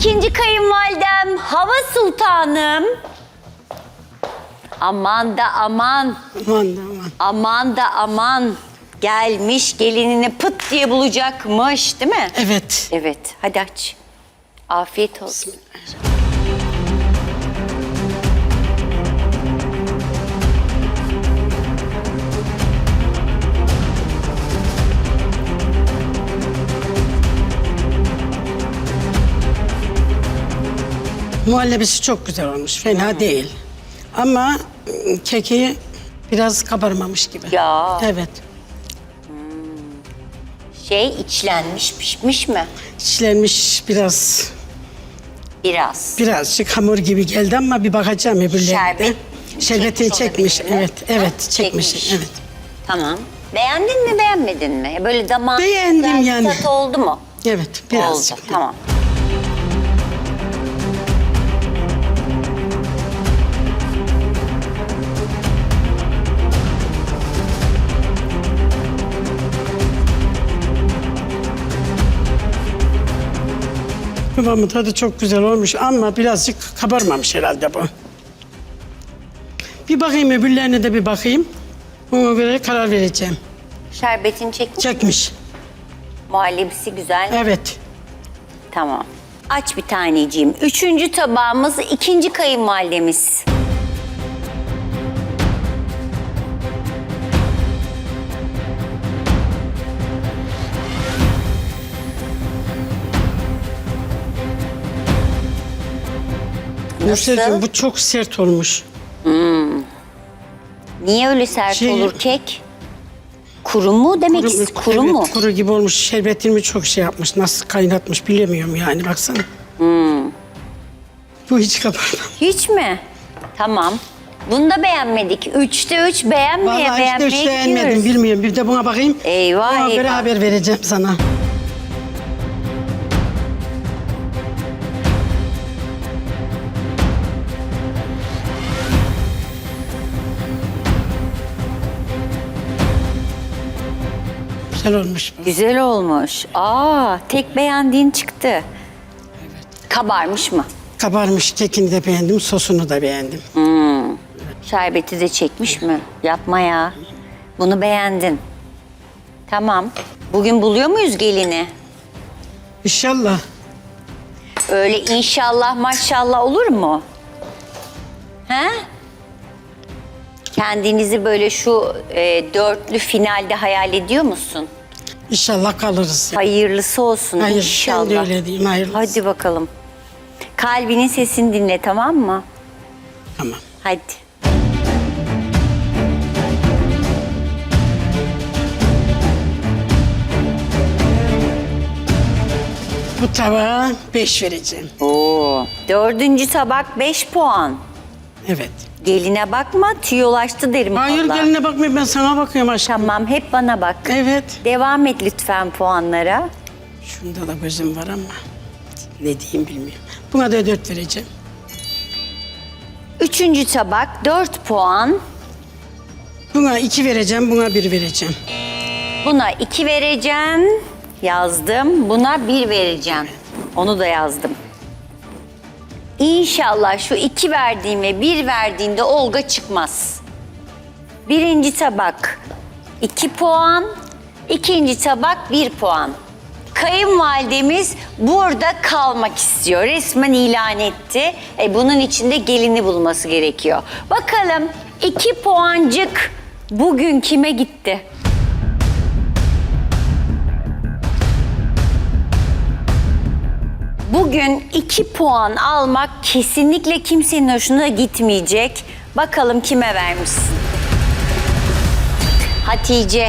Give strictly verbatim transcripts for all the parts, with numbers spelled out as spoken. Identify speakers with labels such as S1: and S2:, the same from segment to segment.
S1: İkinci kayınvalidem Hava Sultanım. Aman da aman.
S2: Aman da aman.
S1: Aman da aman. Gelmiş gelinini pıt diye bulacakmış değil mi?
S2: Evet.
S1: Evet. Hadi aç. Afiyet olsun.
S2: Muhallebisi çok güzel olmuş. Fena değil. Ama ıı, keki biraz kabarmamış gibi.
S1: Ya.
S2: Evet.
S1: Şey içlenmiş, pişmiş mi?
S2: İçlenmiş biraz,
S1: Biraz.
S2: birazcık hamur gibi geldi ama bir bakacağım öbürlerine.
S1: Şerbet.
S2: Şerbetini çekmiş.
S1: olabilir mi?
S2: Evet, evet
S1: Ha,
S2: çekmiş. Evet.
S1: Tamam. Beğendin mi, beğenmedin mi? Böyle damağın
S2: Beğendim
S1: güzel bir
S2: yani.
S1: tat oldu mu?
S2: Evet, birazcık.
S1: Oldu, tamam.
S2: Kıvamı tadı çok güzel olmuş ama birazcık kabarmamış herhalde bu. Bir bakayım öbürlerine de bir bakayım. Ona göre karar vereceğim.
S1: Şerbetini çekmiş.
S2: Çekmiş.
S1: Muhallebisi güzel.
S2: Evet.
S1: Tamam. Aç bir taneciğim. Üçüncü tabağımız ikinci kayınvalidemiz.
S2: Nursel'cim bu çok sert olmuş.
S1: Niye öyle sert
S2: Şey-
S1: olur kek? Kuru mu demek
S2: Kuru,
S1: istiyorsun? Kuru
S2: evet,
S1: mu?
S2: Kuru gibi olmuş. Şerbetini çok şey yapmış. Nasıl kaynatmış bilemiyorum yani baksana.
S1: Hmm.
S2: Bu hiç kabarmamış.
S1: Hiç mi? Tamam. Bunu da beğenmedik. Üçte üç beğenmeye
S2: Vallahi
S1: beğenmeye
S2: işte hiç beğenmedim
S1: gidiyoruz.
S2: bilmiyorum. Bir de buna bakayım.
S1: Eyvah,
S2: Ona göre
S1: eyvah.
S2: haber vereceğim sana. Güzel olmuş bu.
S1: Güzel olmuş. Aa, tek beğendiğin çıktı. Evet. Kabarmış mı?
S2: Kabarmış. Kekini de beğendim. Sosunu da beğendim.
S1: Şerbeti de çekmiş mi? Yapma ya. Bunu beğendin. Tamam. Bugün buluyor muyuz gelini?
S2: İnşallah.
S1: Öyle inşallah maşallah olur mu? He? Kendinizi böyle şu e, dörtlü finalde hayal ediyor musun?
S2: İnşallah kalırız.
S1: Hayırlısı olsun
S2: Hayır,
S1: inşallah.
S2: ben de öyle diyeyim, hayırlısı.
S1: Hadi bakalım. Kalbinin sesini dinle, tamam mı?
S2: Tamam.
S1: Hadi.
S2: Bu tabağa beş vereceğim.
S1: Oo. Dördüncü tabak beş puan.
S2: Evet.
S1: Geline bakma, tüyolaştı derim
S2: Hayır
S1: vallahi.
S2: geline bakma, ben sana bakıyorum aşkım.
S1: Tamam, hep bana bak.
S2: Evet.
S1: Devam et lütfen puanlara.
S2: Şunda da gözüm var ama ne diyeyim bilmiyorum. Buna da dört vereceğim.
S1: Üçüncü tabak dört puan.
S2: Buna iki vereceğim, buna bir vereceğim.
S1: Buna iki vereceğim. Yazdım. Buna bir vereceğim. Onu da yazdım. İnşallah şu iki verdiğime bir verdiğinde Olga çıkmaz. Birinci tabak iki puan. İkinci tabak bir puan. Kayınvalidemiz burada kalmak istiyor. Resmen ilan etti. E, bunun için de gelini bulması gerekiyor. Bakalım iki puancık bugün kime gitti? Bugün iki puan almak kesinlikle kimsenin hoşuna gitmeyecek. Bakalım kime vermişsin? Hatice.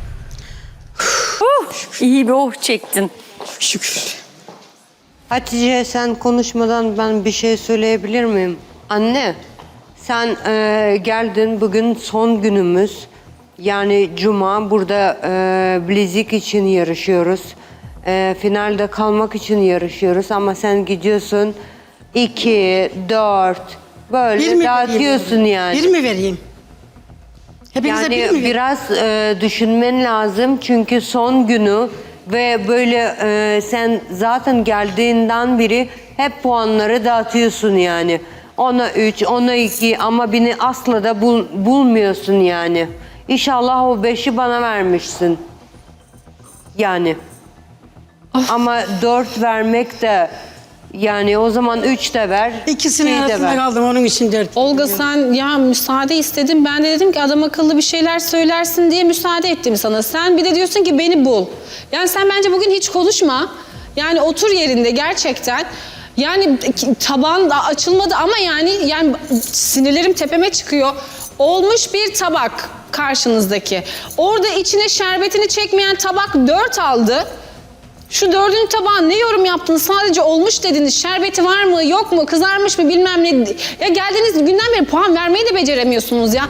S1: Huh, iyi bir oh çektin.
S2: Şükür.
S3: Hatice sen konuşmadan ben bir şey söyleyebilir miyim? Anne sen e, geldin bugün son günümüz. Yani cuma burada e, bilezik için yarışıyoruz. E, finalde kalmak için yarışıyoruz ama sen gidiyorsun iki, dört böyle
S2: Bir mi
S3: dağıtıyorsun
S2: vereyim?
S3: yani.
S2: Bir mi vereyim? Hepinize
S3: Yani
S2: bir mi vereyim?
S3: biraz e, düşünmen lazım çünkü son günü Ve böyle e, sen zaten geldiğinden beri hep puanları dağıtıyorsun yani. Ona üç, ona iki ama beni asla da bul, bulmuyorsun yani. İnşallah o beşi bana vermişsin. Yani. Ama dört vermek de yani o zaman üç de ver.
S2: İkisinin
S3: şey de
S2: arasında
S3: ver.
S2: kaldım onun için dert.
S4: Olga sen ya müsaade istedin. Ben de dedim ki adam akıllı bir şeyler söylersin diye müsaade ettim sana. Sen bir de diyorsun ki beni bul. Yani sen bence bugün hiç konuşma. Yani otur yerinde gerçekten. Yani tabağın da açılmadı ama yani yani sinirlerim tepeme çıkıyor. Olmuş bir tabak karşınızdaki. Orada içine şerbetini çekmeyen tabak dört aldı. Şu dördüncü tabağa ne yorum yaptınız? Sadece olmuş dediniz. Şerbeti var mı, yok mu, kızarmış mı bilmem ne. Ya geldiğiniz günden beri puan vermeyi de beceremiyorsunuz ya.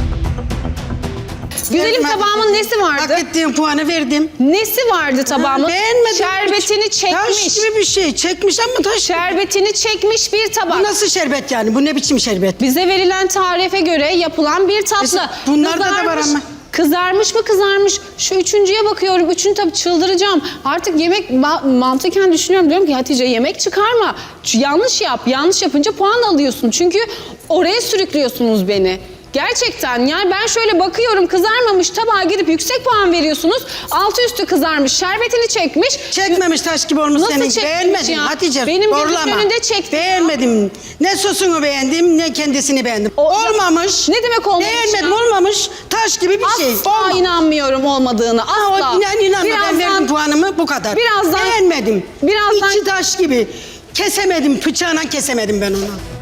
S4: Güzelim
S2: Verdim,
S4: tabağımın nesi vardı?
S2: Hak ettiğim puanı verdim.
S4: Nesi vardı tabağımın?
S2: Beğenmedim.
S4: Şerbetini çekmiş.
S2: Taş gibi bir şey. Çekmiş ama taş.
S4: Şerbetini çekmiş bir tabak.
S2: Bu nasıl şerbet yani? Bu ne biçim şerbet?
S4: Bize verilen tarife göre yapılan bir tatlı.
S2: Mesela bunlarda da var ama.
S4: Kızarmış mı kızarmış? Şu üçüncüye bakıyorum. Üçüncü tabii çıldıracağım. Artık yemek ma- mantıken düşünüyorum. Diyorum ki Hatice yemek çıkarma. Ç- Yanlış yap. Yanlış yapınca puan alıyorsun. Çünkü oraya sürüklüyorsunuz beni. Gerçekten yani ben şöyle bakıyorum kızarmamış tabağa gidip yüksek puan veriyorsunuz. Altı üstü kızarmış, şerbetini çekmiş.
S2: Çekmemiş taş gibi olmuş
S4: Nasıl
S2: senin.
S4: çekmemiş
S2: Beğenmedim
S4: ya?
S2: Hatice.
S4: Benim gözümün
S2: zorlama.
S4: önünde çekti ya.
S2: Beğenmedim. Ne sosunu beğendim ne kendisini beğendim.
S4: O-
S2: olmamış.
S4: Ne demek olmamış
S2: Beğenmedim
S4: ya?
S2: olmamış. Taş gibi bir şey.
S4: Asla
S2: Olmamış.
S4: inanmıyorum olmadığını.
S2: Ha,
S4: Asla.
S2: o inan, inanma ben verdim puanımı bu kadar.
S4: Birazdan-
S2: Beğenmedim.
S4: birazdan-
S2: İçi taş gibi. Kesemedim. Bıçağına kesemedim ben onu.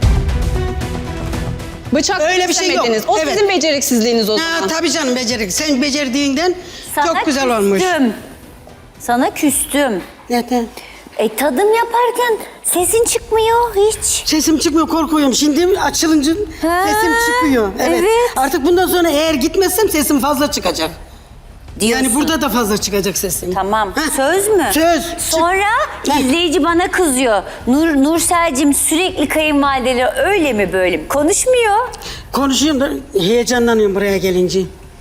S4: Bıçak
S2: Öyle bir şey yok.
S4: kesemediniz. O
S2: Evet.
S4: sizin beceriksizliğiniz o
S2: Ha,
S4: zaman.
S2: tabii canım becerik. Sen becerdiğinden
S1: Sana
S2: çok güzel olmuş.
S1: küstüm. Sana küstüm.
S2: Neden?
S1: E tadım yaparken sesin çıkmıyor hiç.
S2: Sesim çıkmıyor korkuyorum. Şimdi açılınca
S1: Ha,
S2: sesim çıkıyor. Evet.
S1: evet.
S2: Artık bundan sonra eğer gitmezsem sesim fazla çıkacak.
S1: Diyorsun.
S2: Yani burada da fazla çıkacak sesim.
S1: Tamam.
S2: Heh.
S1: Söz mü?
S2: Söz.
S1: Sonra
S2: Heh.
S1: izleyici bana kızıyor. Nur Nursel'cim sürekli kayınvalideleri öyle mi böyle mi? Konuşmuyor.
S2: Konuşuyorum da heyecanlanıyorum buraya gelince.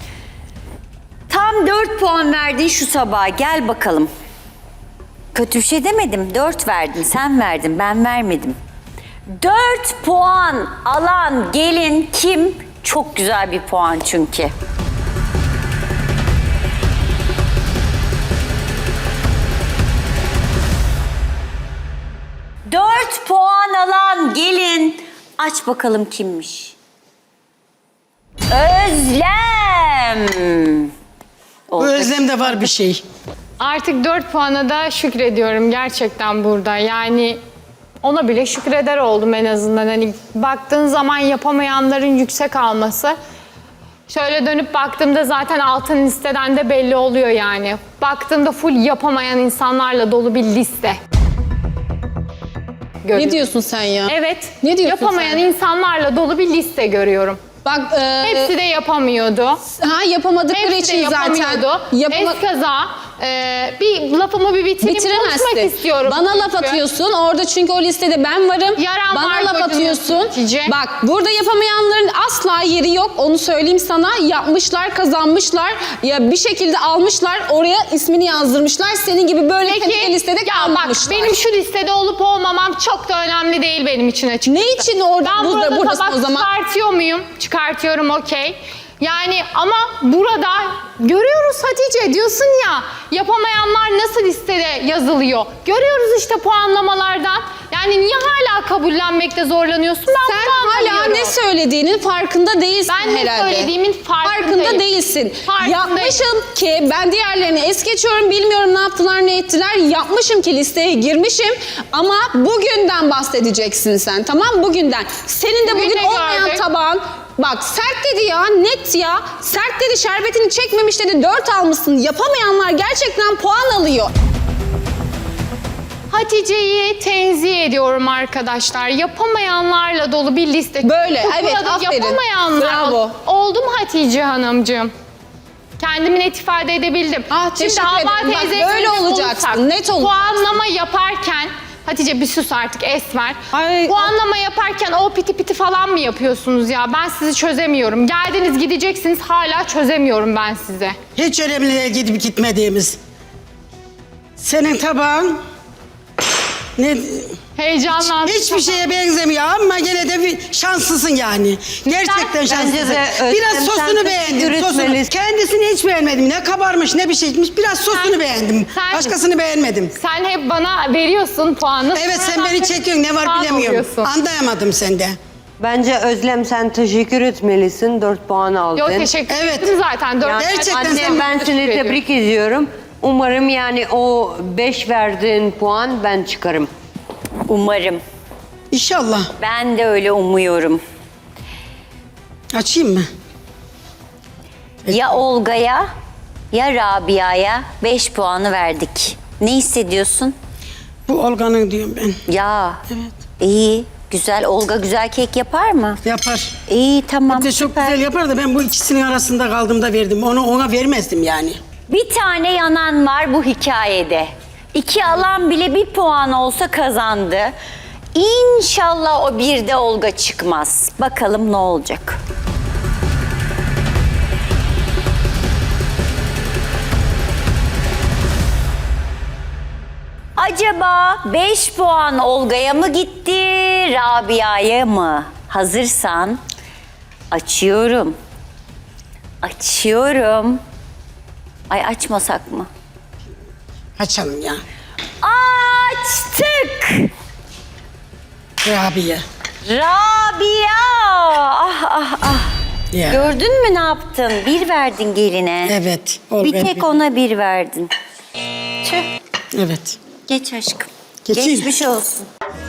S1: Tam dört puan verdin şu tabağa. Gel bakalım. Kötü bir şey demedim. Dört verdin. Sen verdin. Ben vermedim. Dört puan alan gelin kim? Çok güzel bir puan çünkü. Dört puan alan gelin. Aç bakalım kimmiş? Özlem.
S2: Bu
S1: Oldu.
S2: özlemde var bir şey.
S5: Artık dört puana da şükrediyorum gerçekten burada. Yani ona bile şükreder oldum en azından. Hani baktığın zaman yapamayanların yüksek alması. Şöyle dönüp baktığımda zaten altın listeden de belli oluyor yani. Baktığımda full yapamayan insanlarla dolu bir liste.
S4: Ne diyorsun sen ya?
S5: Evet.
S4: Ne diyorsun
S5: yapamayan
S4: sen?
S5: insanlarla dolu bir liste görüyorum.
S4: Bak e,
S5: Hepsi de yapamıyordu.
S4: ha yapamadıkları
S5: Hepsi de
S4: için zaten
S5: yapamıyordu.
S4: yapama-
S5: Eskaza. Ee, bir lafımı bir bitireyim. Konuşmak
S4: bitiremezsin.
S5: istiyorum.
S4: Bana laf
S5: çünkü.
S4: atıyorsun. Orada çünkü o listede ben varım.
S5: Yaran
S4: Bana
S5: var
S4: laf
S5: kocaman
S4: atıyorsun.
S5: Hatice.
S4: Bak burada yapamayanların asla yeri yok. Onu söyleyeyim sana. Yapmışlar, kazanmışlar. Ya bir şekilde almışlar. Oraya ismini yazdırmışlar. Senin gibi böyle
S5: Peki,
S4: listede
S5: ya
S4: kalmamışlar.
S5: bak benim şu listede olup olmamam çok da önemli değil benim için açıkçası.
S4: Ne için orada
S5: Ben
S4: burada,
S5: burada
S4: buradasın
S5: tabak
S4: o zaman?
S5: çıkartıyor muyum? Çıkartıyorum okey. Yani ama burada görüyoruz Hatice diyorsun ya yapamayanlar nasıl listede yazılıyor. Görüyoruz işte puanlamalardan. Yani niye hala kabullenmekte zorlanıyorsun? Ben
S4: Sen
S5: bunu
S4: hala
S5: anlamıyorum.
S4: ne söylediğinin farkında değilsin
S5: Ben ne
S4: herhalde.
S5: söylediğimin farkındayım.
S4: Farkında değilsin.
S5: Farkındayım.
S4: Yapmışım ki ben diğerlerini es geçiyorum. Bilmiyorum ne yaptılar ne ettiler. Yapmışım ki listeye girmişim. Ama bugünden bahsedeceksin sen, tamam, bugünden. Senin de
S5: Bugün
S4: bugün
S5: ne
S4: olmayan
S5: gördük?
S4: tabağın. Bak sert dedi ya, net ya. Sert dedi, şerbetini çekmemiş dedi, dört almışsın. Yapamayanlar gerçekten puan alıyor.
S5: Hatice'yi tenzih ediyorum arkadaşlar. Yapamayanlarla dolu bir liste.
S4: Böyle,
S5: Bu
S4: evet,
S5: burada
S4: aferin.
S5: Yapamayanlar
S4: Bravo.
S5: oldu mu Hatice Hanımcığım? Kendimi net ifade edebildim.
S4: Ah, teşekkür ederim. Bak,
S5: teyzeye
S4: böyle
S5: dönüp
S4: olacaksın,
S5: olursak,
S4: net olacaksın.
S5: Puanlama yaparken Hatice bir sus artık Esmer.
S4: Ay,
S5: Puanlama yaparken o piti piti falan mı yapıyorsunuz ya? Ben sizi çözemiyorum. Geldiniz gideceksiniz hala çözemiyorum ben size.
S2: Hiç önemli değil gidip gitmediğimiz. Senin tabağın ne
S5: Heyecanlandım.
S2: hiçbir şeye benzemiyor ama gene de bir şanslısın yani. Gerçekten
S3: Bence
S2: şanslısın.
S3: de Özlem,
S2: Biraz
S3: sen
S2: sosunu
S3: de
S2: beğendim. Sosunu.
S3: yürütmelisin.
S2: Kendisini hiç beğenmedim. Ne kabarmış ne bir şeymiş. Biraz sosunu
S5: Sen-
S2: beğendim.
S5: sen-
S2: Başkasını beğenmedim.
S5: Sen hep bana veriyorsun puanı.
S2: Evet sen
S5: sonradan
S2: beni
S5: da
S2: çekiyorsun. Ne var
S5: puan
S2: bilemiyorum.
S5: alıyorsun.
S2: Anlayamadım sende.
S3: Bence Özlem sen teşekkür etmelisin. dört puan aldın.
S5: Yok teşekkür
S2: Evet.
S5: ederim zaten. Dört
S3: Yani
S2: Gerçekten
S3: anne
S2: sen-
S3: ben
S5: teşekkür
S3: seni
S5: ediyorum.
S3: tebrik ediyorum. Umarım yani o beş verdiğin puan ben çıkarım.
S1: Umarım.
S2: İnşallah.
S1: Ben de öyle umuyorum.
S2: Açayım mı?
S1: Ya Olga'ya ya Rabia'ya beş puanı verdik. Ne hissediyorsun?
S2: Bu Olga'nın diyorum ben.
S1: Ya.
S2: Evet.
S1: İyi. Güzel. Olga güzel kek yapar mı?
S2: Yapar.
S1: İyi tamam.
S2: Bir de çok
S1: süper.
S2: güzel yapar da ben bu ikisinin arasında kaldığımda verdim. Onu ona vermezdim yani.
S1: Bir tane yanan var bu hikayede. İki alan bile bir puan olsa kazandı. İnşallah o bir de Olga çıkmaz. Bakalım ne olacak. Acaba beş puan Olga'ya mı gitti, Rabia'ya mı? Hazırsan açıyorum. Açıyorum. Ay açmasak mı?
S2: Açalım ya.
S1: Açtık.
S2: Rabia.
S1: Rabia. Ah ah ah.
S2: Ya.
S1: Gördün mü ne yaptın? Bir verdin geline.
S2: Evet. Olga
S1: Bir tek
S2: bir-
S1: ona bir verdin. Tüh.
S2: Evet.
S1: Geç aşkım.
S2: Geçeyim.
S1: Geçmiş olsun.